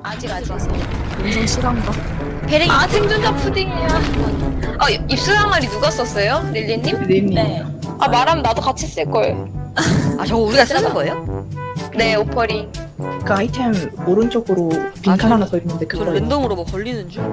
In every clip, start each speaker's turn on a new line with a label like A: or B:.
A: 아직.
B: 인생 실한가?
A: 배랭이. 아, 생존자 푸딩이야. 입술 항아리 누가 썼어요? 릴리님?
C: 리님.
B: 네.
A: 아, 말하면 나도 같이 쓸 걸.
D: 아 저거 우리가 쓰는 거예요?
A: 네, 오퍼링.
C: 그 아이템 오른쪽으로 빈칸 하나 더 있는데
D: 저
C: 그거.
D: 랜덤으로 뭐 걸리는 줄?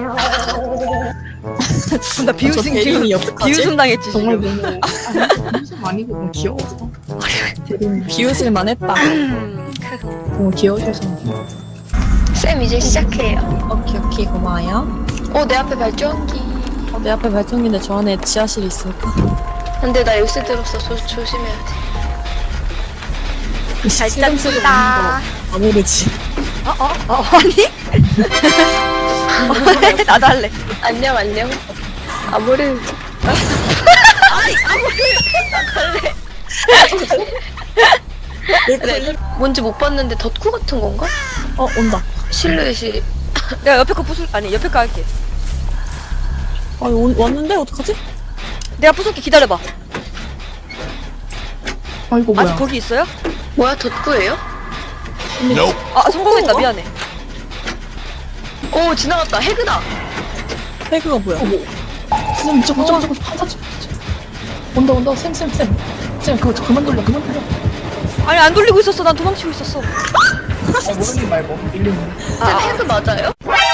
D: 나 비웃음
B: 대리인이 어떡하지?
D: 비웃음 당했지
C: 정말
D: 지금.
C: 너무 비웃음 아니고 너무 귀여워서. 대리님
B: 비웃을만 했다.
C: 너무 귀여우셔서.
A: 쌤, 이제 시작해요.
B: 오케이 고마워요.
A: 내 앞에 발전기.
B: 내 앞에 발전기인데 저 안에 지하실이 있을까?
A: 근데 나 열쇠 들었어. 조심해야 돼.
B: 발전기다. 안 모르지.
D: 아니? 나도 할래.
A: 안녕. 아무리. 그래. 뭔지 못 봤는데 덧구 같은 건가?
B: 온다.
A: 실루엣이.
D: 내가 옆에 거 부술 아니 옆에 거 할게.
B: 왔는데 어떡하지?
D: 내가 부술게 기다려봐.
C: 아이고
D: 아직
C: 뭐야.
D: 거기 있어요?
A: 뭐야, 덧구예요?
D: 아 성공했다 미안해.
A: 오, 지나갔다. 해그다.
B: 태그가 뭐야?
C: 쌤 저거 한사 온다 쌤. 쌤 그거 그만 돌려.
D: 아니 안 돌리고 있었어. 난 도망치고 있었어.
C: 모르는 말고 밀리는.
A: 쌤, 해그 맞아요?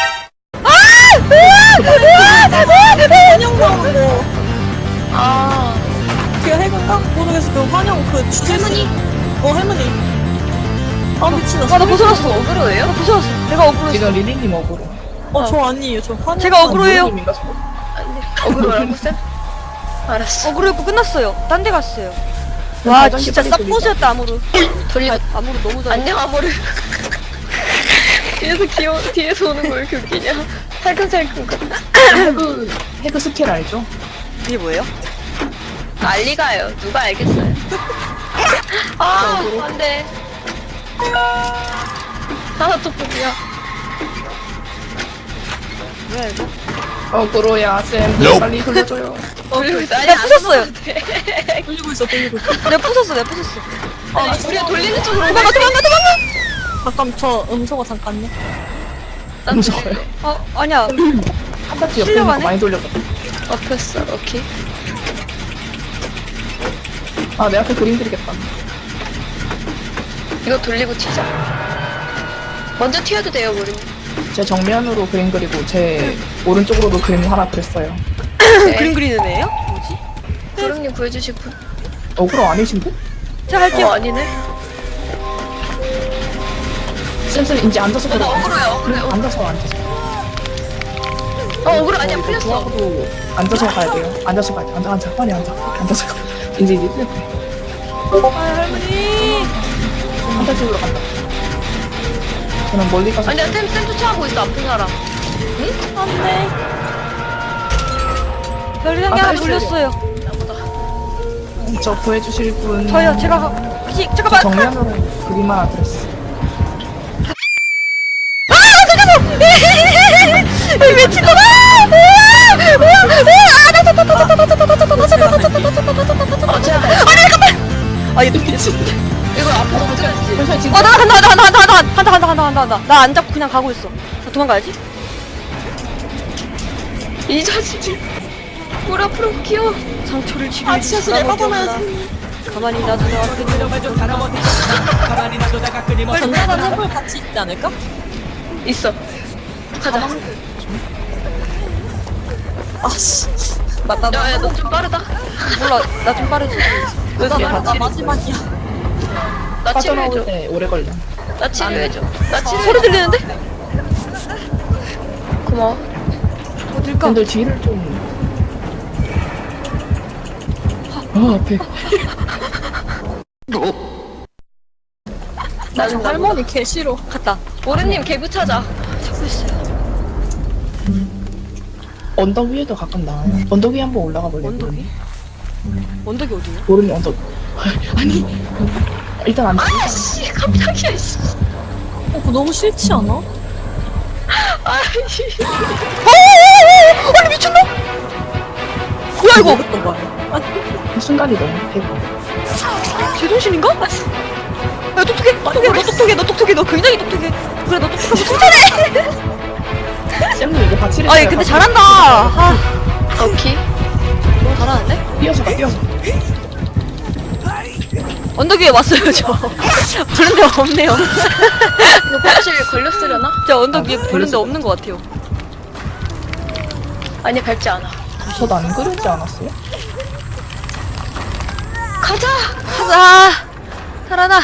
B: 환영 나오고.
A: 아,
B: 그 해그인가? 모르겠어. 그 환영 그 주제.
A: 할머니?
B: 할머니. 아 미친다.
D: 나 벗어났어.
A: 어그로예요?
D: 나 벗어났어. 내가 억울했어.
C: 지금 리리님 억울해.
B: 저 아니에요. 저 환영.
D: 제가 억울해요.
C: 리리님인가 저거?
A: 어그로라고, 쌤? 알았어.
D: 억울했고 끝났어요. 딴 데 갔어요.
C: 쌤
D: 와
C: 발전기
D: 진짜
C: 빨리 돌리자.
D: 쌉포즈였다 아무로.
A: 돌리고.
D: 아무로 너무 잘해.
A: 안녕, 아모르. 뒤에서 오는 거 왜 이렇게 웃기냐? 살금살금.
C: 해그 스킬 알죠?
D: 이게 뭐예요?
A: 난리가요. 누가 알겠어요? 아, 안 돼. 또 포기야.
D: 뭐야 이거?
C: 억울해야 쌤 빨리 돌려줘요.
A: 돌리고 있어. 아니,
D: 내가
A: 안
D: 부쉈어요.
B: 돌리고 있어.
D: 내가 부쉈어.
A: 아니, 우리가 돌리는 쪽으로
D: 도망가.
B: 잠깐 저 음소거 잠깐요.
C: 무서워요.
D: 아니야.
C: 한 바퀴 옆에 있는 거
D: 실려가네?
C: 많이 돌렸거든.
A: 엎혔어. 오케이.
C: 내 앞에 그림 그리겠다.
A: 이거 돌리고 튀자. 먼저 튀어도 돼요, 우리.
C: 제 정면으로 그림 그리고 제 오른쪽으로도 그림 하나 그렸어요.
D: 그림 그리는 애예요? 뭐지?
A: 구름님 구해주실 분?
C: 억울로 아니신데?
D: 제가 할게요.
A: 아니네.
C: 쌤 이제 앉아서 그려.
A: 억울해요.
C: 앉아서.
A: 억울해. 아니야, 풀렸어.
C: 중하고 앉아서 가야 돼요. 앉아서 가야 돼. 앉아. 빨리 앉아. 앉아서 가. 이제 풀렸대.
D: 할머니.
C: 판타지로 간다. 저는 멀리 가서.
A: 아니야, 쌤 쫓아가고 있어, 아픈 사람.
B: 안돼.
D: 별이랑이 하나
C: 빨리
D: 물렸어요.
A: 나보다.
C: 저 구해주실 분.
D: 저요. 제가 잠깐만.
C: 정면으로 그림 하나 그렸어.
D: 미친놈아! 얘 미친.
A: 이거 앞으로 붙여야지.
C: 잠시만 지금.
D: 간다. 나 안 잡고 그냥 가고 있어. 나 도망가야지.
A: 이 자식이. 물 앞으로 키워.
D: 상처를 치료.
B: 지하실 내려가면
D: 가만히 놔두면 앞에
B: 전자단 해볼 같이 있지 않을까?
A: 있어. 가자.
B: 아씨. 맞다.
A: 야, 너 좀 빠르다.
D: 몰라. 나 좀 빠르지.
B: 나 마지막이야.
A: 나
C: 빠져나올
A: 치료해줘.
C: 때 오래 걸려.
A: 나 치료해줘. 나 치료해줘.
D: 소리 들리는데?
A: 고마워.
D: 어딜까?
C: 근데 뒤를 좀. 앞에.
A: 나는
B: 할머니 개 싫어.
D: 갔다.
A: 오르님 개구 찾아.
D: 찾고 있어요.
C: 언덕 위에도 가끔 나와요. 언덕 위에 한번 올라가 볼래요?
D: 언덕이? 언덕이 어디야?
C: 모르는 언덕. 아니. 일단 안.
A: 아씨, 깜짝이야, 씨.
B: 그거 너무 싫지 않아?
A: 아이씨.
D: 아니 미쳤나? 뭐야 이거?
B: 어떤 거야?
C: 그 순간이 너무 대박.
D: 제정신인가? 야 똑똑해. 너 똑똑해. 너 굉장히 똑똑해. 그래 너 똑똑하고 칭찬해. 아니 근데 잘한다. 아,
A: 오케이.
D: 너무 잘하는데?
C: 뛰어서 가, 뛰어서.
D: 언덕 위에 왔어요 저. 부른 데 없네요.
A: 이거 혹시 걸렸으려나?
D: 저 언덕 위에 부른 데 없는 것 같아요.
A: 아니 밟지 않아.
C: 저도 안 그러지 않았어요?
A: 가자.
D: 가자. 살아나.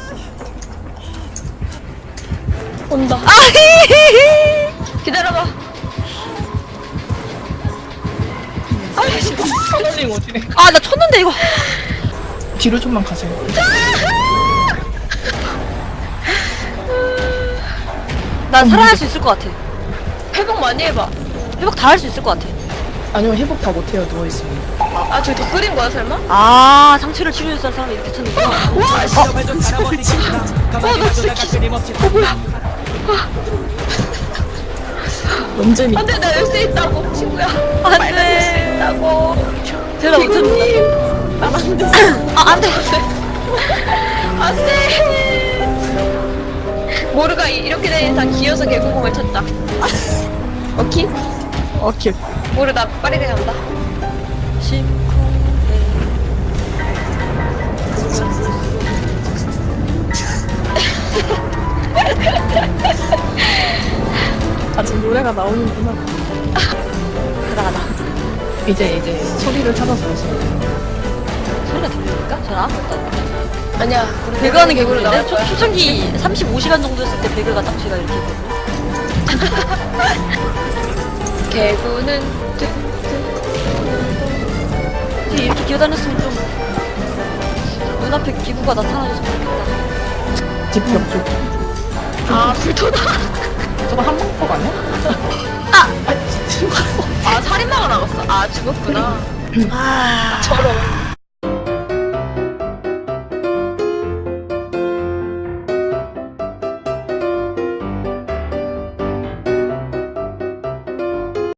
A: 온다.
D: 아히히히.
A: 기다려봐. 아이씨.
C: 선생님 어디래?
D: 아 나 쳤는데 이거.
C: 뒤로 좀만 가세요.
D: 난 살아날 수 있을 것 같아.
A: 회복 많이 해봐.
D: 회복 다 할 수 있을 것 같아.
C: 아니면 회복 다 못해요, 누워있으면.
A: 아 저기 더 끓인 거야 설마?
D: 아 상처를 치료해줄 사람이 이렇게 쳤는구나.
A: 와 씨. 나 진짜
B: 논쟁이.
A: 안돼 나 열 수 있다고 친구야.
D: 안
A: 빨리
D: 돼.
A: 열수 있다고.
D: 제가 못했는데. 아 안돼.
A: 안돼. 모르가 이렇게 된 이상 기어서 개구멍을 쳤다. 오케이?
B: 오케이.
A: 모르 나 빠르게 간다.
B: 아직 노래가 나오는구나.
D: 가다.
C: 이제 소리를 찾아서 오세요.
D: 소리가 들립니까? 전 아무것도 안 들려.
A: 아니야. 우리
D: 배그하는 게
A: 개구리
D: 모르는데?
A: 나갈 거야.
D: 초창기 35시간 정도 했을 때 배그가 딱 제가 이렇게 했거든요.
A: 개구는
D: 되게 이렇게 기어다녔으면 좀 눈앞에 기구가 나타나줘서 좋겠다.
C: 집벽 쪽.
A: 아 불토다.
C: 저거 한방폭 아니야?
A: 아 살인마가 나갔어. 아 죽었구나.
D: 아,
A: 저런.